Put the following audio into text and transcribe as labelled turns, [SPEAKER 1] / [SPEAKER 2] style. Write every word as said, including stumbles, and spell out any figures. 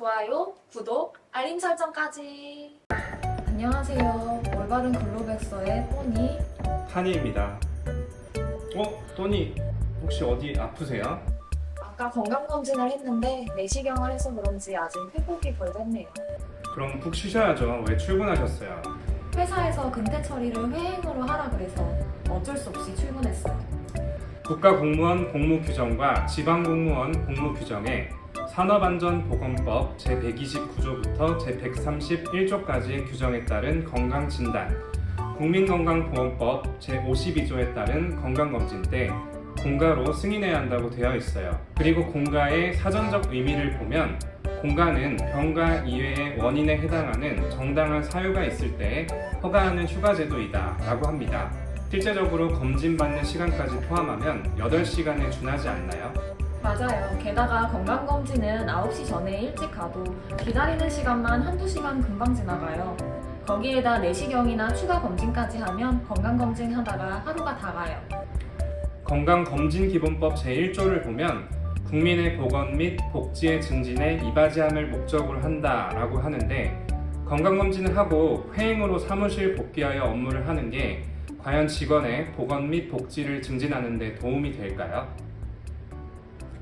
[SPEAKER 1] 좋아요, 구독, 알림 설정까지.
[SPEAKER 2] 안녕하세요. 올바른 글로백서의 또니.
[SPEAKER 3] 타니입니다. 어? 또니 혹시 어디 아프세요?
[SPEAKER 1] 아까 건강검진을 했는데 내시경을 해서 그런지 아직 회복이 덜 됐네요.
[SPEAKER 3] 그럼 푹 쉬셔야죠. 왜 출근하셨어요?
[SPEAKER 2] 회사에서 근태 처리를 회행으로 하라 그래서 어쩔 수 없이 출근했어요.
[SPEAKER 3] 국가공무원 복무규정과 지방공무원 복무규정에 산업안전보건법 제백이십구 조부터 제백삼십일 조까지의 규정에 따른 건강진단, 국민건강보험법 제오십이 조에 따른 건강검진 때 공가로 승인해야 한다고 되어 있어요. 그리고 공가의 사전적 의미를 보면 공가는 병가 이외의 원인에 해당하는 정당한 사유가 있을 때 허가하는 휴가제도이다 라고 합니다. 실제적으로 검진받는 시간까지 포함하면 여덟 시간에 준하지 않나요?
[SPEAKER 2] 맞아요. 게다가 건강검진은 아홉 시 전에 일찍 가도 기다리는 시간만 한두 시간 금방 지나가요. 거기에다 내시경이나 추가 검진까지 하면 건강검진 하다가 하루가 다 가요.
[SPEAKER 3] 건강검진기본법 제일 조를 보면 국민의 보건 및 복지의 증진에 이바지함을 목적으로 한다라고 하는데, 건강검진을 하고 회행으로 사무실 복귀하여 업무를 하는 게 과연 직원의 보건 및 복지를 증진하는 데 도움이 될까요?